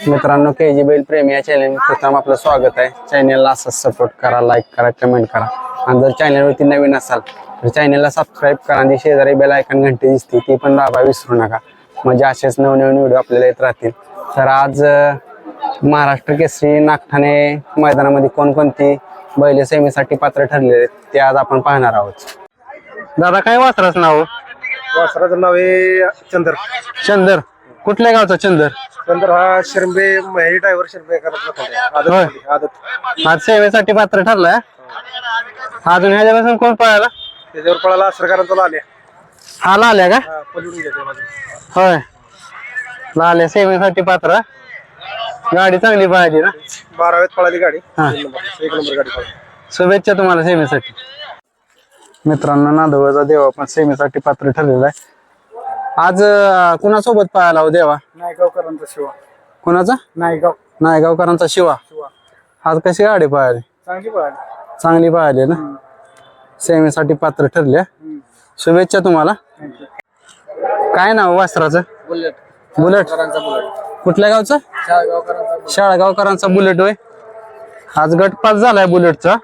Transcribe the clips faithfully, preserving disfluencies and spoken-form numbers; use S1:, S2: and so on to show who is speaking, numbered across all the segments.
S1: मित्रांनो, के जी बैल प्रेमी या चॅनल प्रथम आपलं स्वागत आहे. चॅनलला असंच सपोर्ट करा, लाईक करा, कमेंट करा आणि जर चॅनलवरती नवीन असाल तर चॅनलला सबस्क्राईब करा आणि शेजारी बेल आयकॉन घंटी दिसते ती पण दाबा विसरू नका, म्हणजे असेच नवनवीन व्हिडिओ आपल्याला येत राहतील. तर आज महाराष्ट्र केसरी नागठाणे मैदानामध्ये कोणकोणती बैल सेमीसाठी पात्र ठरलेले आहेत ते आज आपण पाहणार आहोत. दादा, काय वासराचं नाव?
S2: वासराचं नाव आहे चंदर.
S1: चंदर कुठल्या गावचा? चंदर
S2: चंदर हा शिरंबे महेश ड्रायव्हर शिरंबे करत
S1: होय.
S2: आदत
S1: आज सेवेसाठी पात्र ठरलाय. अजून ह्याच्यापासून कोण पळाला?
S2: त्याच्यावर पळाला सरकारांचा आल्या
S1: हा लाल्या का?
S2: पलून घेते माझं.
S1: होय, लाल्या सेवेसाठी पात्र. गाडी चांगली पाहिजे ना?
S2: बाराव्यात पळाली गाडी.
S1: हा.
S2: तीन नंबर एक नंबर गाडी पळाली.
S1: शुभेच्छा तुम्हाला सेवेसाठी. मित्रांनो, नांदवळचा देवा पण सेवेसाठी पात्र ठरलेला आहे. आज अं, कुणासोबत पळाला हो देवा?
S2: नायगावकरांचा शिवा.
S1: कुणाचा?
S2: नायगाव
S1: नायगावकरांचा शिवा.
S2: शिवा
S1: आज कशी गाडी पळाली?
S2: चांगली पळाली.
S1: चांगली पळाली ना? सेवेसाठी पात्र ठरल्या. शुभेच्छा तुम्हाला. काय नाव वासराचं?
S2: बुलेट.
S1: बुलेट.
S2: बुलेट.
S1: कुठल्या गावचं?
S2: शाळगावकरांचा
S1: शाळगावकरांचा बुलेट होय. आज गटपास झालाय बुलेटचा.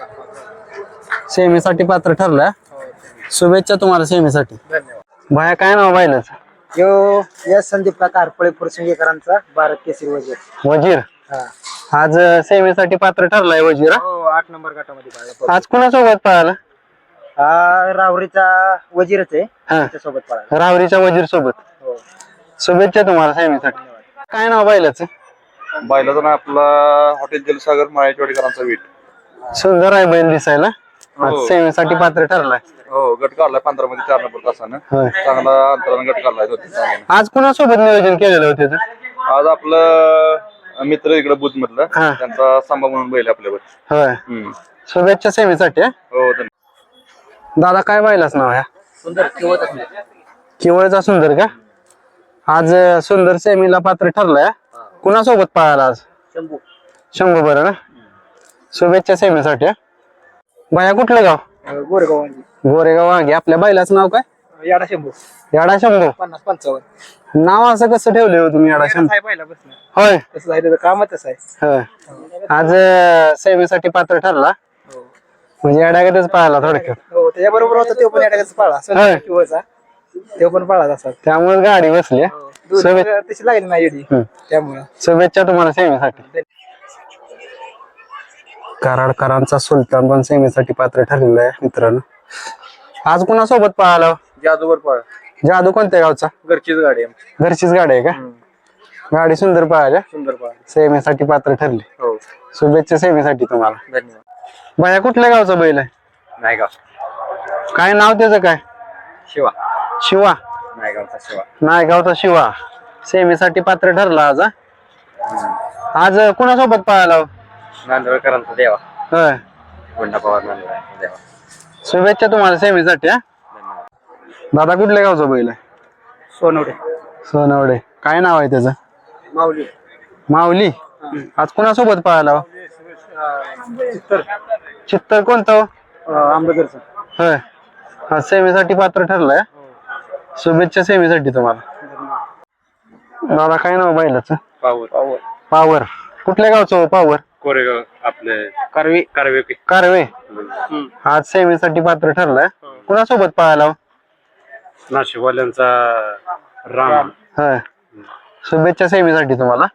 S1: सेमीसाठी पात्र ठरलाय. शुभेच्छा तुम्हाला सेमीसाठी.
S2: धन्यवाद.
S1: भाया, काय नाव बायलाच?
S2: यो यस संदीप काका हरपळे फुरसिंगेकरांचा भारत केसरी वजीर.
S1: वजीर.
S2: हा.
S1: आज सेमीसाठी पात्र ठरलाय वजीर. हा?
S2: हो, आठ नंबर गटामध्ये पळाला.
S1: आज कुणासोबत पळाला?
S2: हा राहुरीचा वजीरच आहे.
S1: हा,
S2: त्याच्यासोबत पळाला.
S1: रावरीच्या वजीर सोबत.
S2: हो.
S1: शुभेच्छा तुम्हाला सेमीसाठी. काय नाव बायलाच?
S3: बायलाचा ना आपला हॉटेल जलसागर माळेवाडीकरांचा वीट.
S1: सुंदर आहे बैल दिसायला. आज सेमीसाठी पात्र ठरलाय.
S3: हो, गट काढलाय पंधरा मध्ये चार नंबर तासानं.
S1: होय.
S3: चांगला अंतरानं गट काढलाय दोन तीन जागेनं.
S1: आज कुणासोबत नियोजन केलेलं होतं त्याचं?
S3: आज आपलं मित्र इकडे बुध मधलं
S1: हा.
S3: त्यांचा सांबा म्हणून बैल आपल्यावर.
S1: होय.
S3: हम्म.
S1: शुभेच्छा सेमीसाठी. हा?
S3: हो, धन्यवाद.
S1: दादा, काय बायलाच नाव ह्या?
S2: सुंदर किंवा
S1: किवळचा सुंदर का? आज अं, सुंदर सेमीला पात्र ठरलाय. कुणासोबत पळाला आज?
S2: शंभू.
S1: शंभू. बरं ना? शुभेच्छा सेमीसाठी. हा? बाया, कुठलं गाव?
S2: गोरेगाव
S1: गोरेगाव वाघे. आपल्या बैलाचं नाव काय?
S2: याडा शंभू.
S1: याडा शंभू.
S2: पन्नास पंचावन्न
S1: नाव असं कसं ठेवले हो तुम्ही, याडा शंभू?
S2: आहे पहिला बसणं.
S1: होय.
S2: तसं आहे, त्याचं कामच तसं आहे.
S1: होय. आज अं, सेमीसाठी पात्र ठरला. म्हणजे याडागतच पळाला थोडक्यात.
S2: हो, त्याच्याबरोबर होता तो पण याडाच पाळा.
S1: होय.
S2: किंवाचा तो पण पाळा तसा.
S1: त्यामुळे गाडी बसली. हा? शुभे-
S2: तशी लागली नाही एवढी.
S1: हम्म.
S2: त्यामुळे
S1: शुभेच्छा तुम्हाला सेमीसाठी. कराडकरांचा सुलतान पण सेमीसाठी पात्र ठरलेला आहे. मित्रांनो, आज कुणासोबत पळाला?
S2: जादूवर पाळा.
S1: जादू कोणत्या गावचा?
S2: घरचीच गाडी आहे.
S1: घरचीच गाडी आहे का? गाडी सुंदर पळाल्या.
S2: सुंदर पाळा.
S1: सेमीसाठी पात्र ठरली.
S2: हो,
S1: शुभेच्छा सेमीसाठी तुम्हाला.
S2: धन्यवाद.
S1: बाया, कुठल्या गावचा बैल आहे?
S2: नायगाव.
S1: काय नाव त्याचं? काय?
S2: शिवा.
S1: शिवा.
S2: नायगावचा शिवा.
S1: नायगावचा शिवा सेमीसाठी पात्र ठरला आज. हा? आज कुणासोबत पळाला?
S2: नांदवळकरांचा देवा.
S1: होय.
S2: गुंडा पवार नांदवळ देवा.
S1: शुभेच्छा तुम्हाला सेमीसाठी. हा? दादा, कुठल्या गावचा बैल आहे?
S2: सोनवडे.
S1: सोनवडे. काय नाव आहे त्याचं?
S2: माऊली.
S1: माऊली. आज कुणासोबत पळाला?
S2: चित्तर.
S1: चित्तर कोणतं?
S2: आंबेडकरचा.
S1: होय. आज सेमीसाठी पात्र ठरलाय. शुभेच्छा सेमीसाठी तुम्हाला. दादा, काय नाव बैलाच?
S3: Power power
S1: power. कुठल्या गावचं हो पावर?
S3: कोरेगाव आपले
S1: कारवी.
S3: कारवे.
S1: कारवे. आज सेमीसाठी पात्र ठरलाय. कुणासोबत पळाला?
S3: नाशिकवाल्यांचा राम.
S1: होय. शुभेच्छा सेमीसाठी तुम्हाला.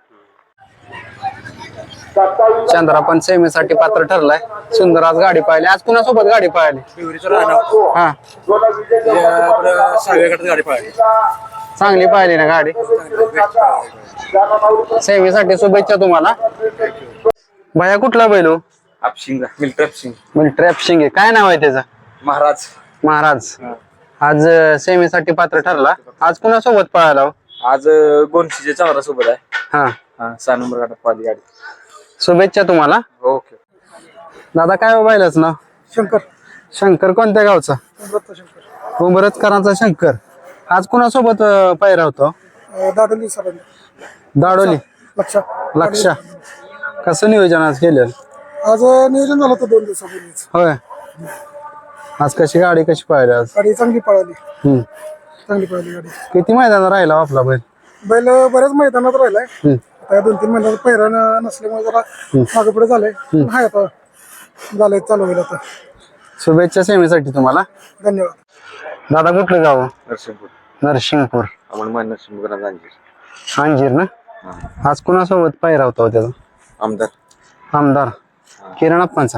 S1: चंद्रा पण सेमीसाठी पात्र ठरलाय. सुंदर आज गाडी पाहिली. आज कुणासोबत गाडी पाहिली? हा,
S2: गाडी पाळली.
S1: चांगली पाहिली ना गाडी. सेमीसाठी शुभेच्छा तुम्हाला. भैया, कुठला बैल हो?
S3: आपशिंग मिल्ट्री आपशिंग.
S1: म्हणजे ट्रॅप शिंगे. काय नाव आहे त्याचं?
S2: महाराज.
S1: महाराज. आज अं, सेमीसाठी पात्र ठरला. आज कुणासोबत पळाला?
S2: आज गोनशीच्या चावरा सोबत आहे.
S1: हा.
S2: हा, सहा नंबर गाठात पाळली गाडी.
S1: शुभेच्छा तुम्हाला.
S2: ओके.
S1: दादा, काय हो बैलाच नाव?
S2: शंकर.
S1: शंकर कोणत्या गावचा?
S2: शंकर.
S1: उंबरजकरांचा शंकर. आज कुणासोबत अं, पायरा होतो?
S2: दादोली सरांनी.
S1: दाडोली.
S2: लक्ष.
S1: लक्ष. कसं नियोजन आज केलं?
S2: आज नियोजन झालं होतं दोन दिवसापूर्वीच.
S1: होय. आज कशी गाडी कशी पाहिली आज?
S2: गाडी चांगली पळाली.
S1: हम्म.
S2: चांगली पळाली गाडी.
S1: किती मैदानात राहिला हो आपला बैल?
S2: बैल बऱ्याच मैदानात राहिलाय.
S1: हम्म.
S4: आता या दोन तीन महिन्यात पैरा न- नसल्यामुळे जरा मागे पुढे झालंय पण हाय आता झालंय चालू होईल आता.
S1: शुभेच्छा सेवेसाठी तुम्हाला.
S4: धन्यवाद.
S1: दादा कुठलं गाव?
S3: नरसिंहपूर
S1: नरसिंगपूर.
S3: अमोल नरसिंहपूर अंजीर
S1: अंजीर ना. आज कुणासोबत पायरा होता हो त्याचा?
S3: आमदार
S1: आमदार किरण अप्पांचा.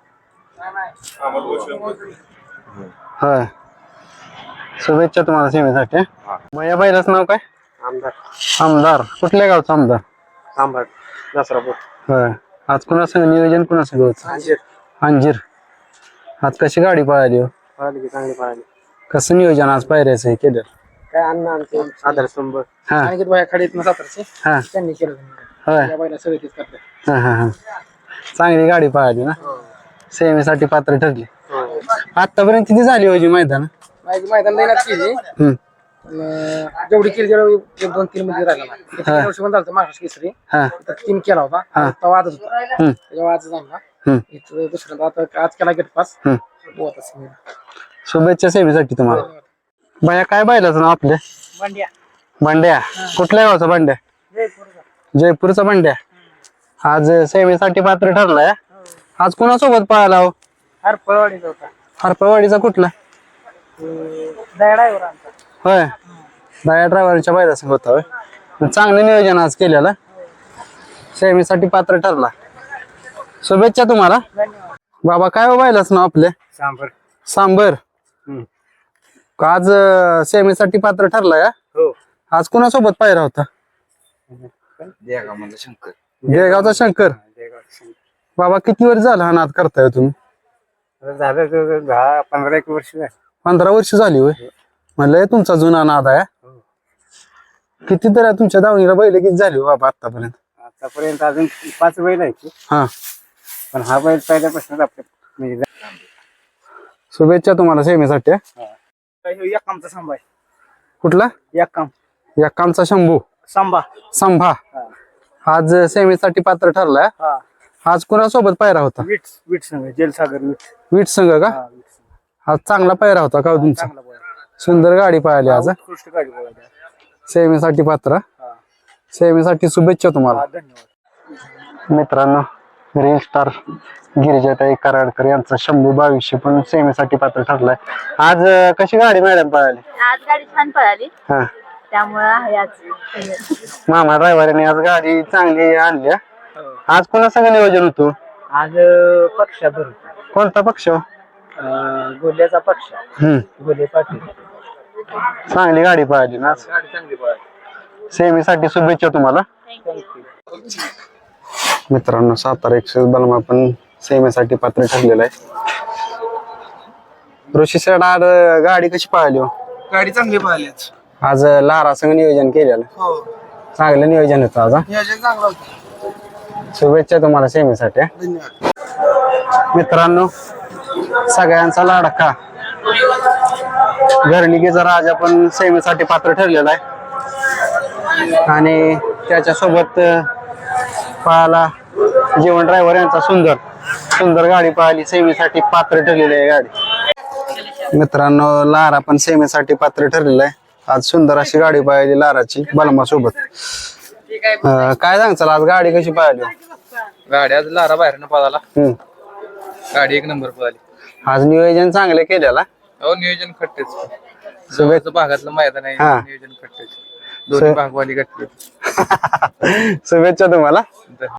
S1: होय. शुभेच्छा तुम्हाला सेवेसाठी. मया बैलाच नाव काय?
S2: आमदार
S1: आमदार. कुठल्या गावचा आमदार?
S2: सांभाळ दसरापूर
S1: होय. आज कुणासंग नियोजन कुणासंग होतं?
S2: अंजीर
S1: अंजीर. आज कशी गाडी पळाली हो?
S2: पळाली की चांगली पळाली.
S1: कसं नियोजन आज पायऱ्याचं हे केलं?
S2: काय अण्णा आमचे आधारस्तंभ
S1: हा
S2: आणि बाया खाडीत सातारचे
S1: हा
S2: त्यांनी केलं.
S1: होय.
S2: त्या बायला सगळे तेच करतात.
S1: हा हा हा. चांगली गाडी पळाली ना. सेवेसाठी पात्र ठरली. आतापर्यंत किती झाली होती मैदान?
S2: माझी मैदान देण्यात केली
S1: हम्म.
S2: पण, अं, जेवढी केली तेवढी एक दोन तीन मध्ये राहिला नाही. एक तीन वर्ष पण झालं महाराष्ट्र केसरी
S1: हा
S2: तर तीन केला होता.
S1: हा.
S2: तेव्हा आजच होता
S1: हम्म.
S2: तेव्हा आज झाला.
S1: हम्म.
S2: इथं दुसऱ्यांदा आता आज केला गेट पास.
S1: हम्म.
S2: होत असेल.
S1: शुभेच्छा सेवेसाठी तुम्हाला. बाया काय बैलाचं नाव आपल्या?
S2: मांड्या
S1: बंड्या. कुठल्या गावचा बंड्या? जयपूरचा बंड्या. आज सेवेसाठी पात्र ठरलाय. आज कुणासोबत पळाला हो?
S2: हर पळवाडीचा होता.
S1: हरपवाडीचा कुठला?
S2: दयाडावर आमचा.
S1: होय. दया ड्रायव्हरच्या बैलासंग होता होय. चांगलं नियोजन आज केलेलं. सेवेसाठी पात्र ठरला. शुभेच्छा तुम्हाला.
S2: धन्यवाद.
S1: बाबा काय हो बैलाच नाव आपले?
S2: सांबर.
S1: सांबर. आज सेवेसाठी पात्र ठरलाय.
S2: हो.
S1: आज कुणासोबत पायरा होता?
S3: देगाव शंकर
S1: जयगावचा शंकर. बाबा किती वर्ष झाला हा नाद करताय तुम्ही?
S2: झालं दहा पंधरा एक वर्ष झाली.
S1: पंधरा वर्ष झाली होय. म्हणलं तुमचा जुना नाद आहे. किती तर तुमच्या दावणीला बैल किती झाली हो बाबा आतापर्यंत?
S2: आतापर्यंत अजून पाच बैल आहे की
S1: हा.
S2: पण हा बैल पहिल्यापासून आपल्या म्हणजे
S1: शुभेच्छा तुम्हाला सेवेसाठी.
S2: एक कामचा सांबा आहे.
S1: कुठला?
S2: एक काम
S1: यक्कामचा शंभू.
S2: सांबा.
S1: संभा. आज सेवेसाठी पात्र ठरलाय.
S2: हा
S1: आज कुणासोबत पायरा होता?
S2: वीट वीट संघ जेलसागर वीट.
S1: वीट संघ का?
S2: हा, वीट संघ.
S1: आज चांगला पायरा होता का हो तुमचा?
S2: चांगला बैल.
S1: सुंदर गाडी पाहिली आज.
S2: उत्कृष्ट गाडी बघा.
S1: सेवेसाठी पात्र.
S2: हा.
S1: सेवेसाठी शुभेच्छा तुम्हाला.
S2: हा, धन्यवाद.
S1: मित्रांनो रील स्टार गिरिजाताई कराडकर यांचा शंभू बावीसशे पण सेवेसाठी पात्र ठरलाय. आज अं, कशी गाडी मॅडम पळाली?
S5: आज गाडी छान पळाली
S1: हा.
S5: त्यामुळे आहे आज.
S1: मामा ड्रायव्हरने आज गाडी चांगली आणली. हा. आज कोणा सगळं नियोजन होतं?
S2: आज पक्षाभर
S1: कोणता पक्ष?
S2: गोल्याचा पक्ष.
S1: हम्म.
S2: गोले पाटील.
S1: चांगली गाडी पळाली ना आज.
S2: गाडी चांगली पळाली.
S1: सेवेसाठी शुभेच्छा तुम्हाला. मित्रांनो सातारा एक्सेस बलमा पण सेवेसाठी पात्र ठरलेला आहे. ऋषी सर आज गाडी कशी पळाली हो?
S4: गाडी चांगली पळाली आज.
S1: आज लारा संघ नियोजन केलेलं.
S4: हो
S1: चांगलं नियोजन होतं आज. हा.
S4: नियोजन चांगलं होतं.
S1: शुभेच्छा तुम्हाला सेवेसाठी.
S4: धन्यवाद.
S1: मित्रांनो सगळ्यांचा लाडका घरणिकेचा राजा पण सेवेसाठी पात्र ठरलेला आहे आणि त्याच्यासोबत पळाला जीवन ड्रायव्हर यांचा सुंदर सुंदर गाडी पळाली. सेवेसाठी पात्र ठरलेली आहे गाडी. मित्रांनो लारा पण सेवेसाठी पात्र ठरलेला आहे. आज सुंदर अशी गाडी पळाली लाराची बलमा सोबत. काय सांगचाल आज गाडी कशी पळाली?
S3: गाडी आज लारा बाहेरनं पळाला.
S1: हम्म.
S3: गाडी एक नंबर पळाली.
S1: आज नियोजन चांगलं केलेला.
S3: हो नियोजन खट्टेच. जवळचं भागातलं मैदान आहे.
S1: हा.
S3: नियोजन खट्टेच. दोन्ही भागवाली गटली.
S1: शुभेच्छा तुम्हाला.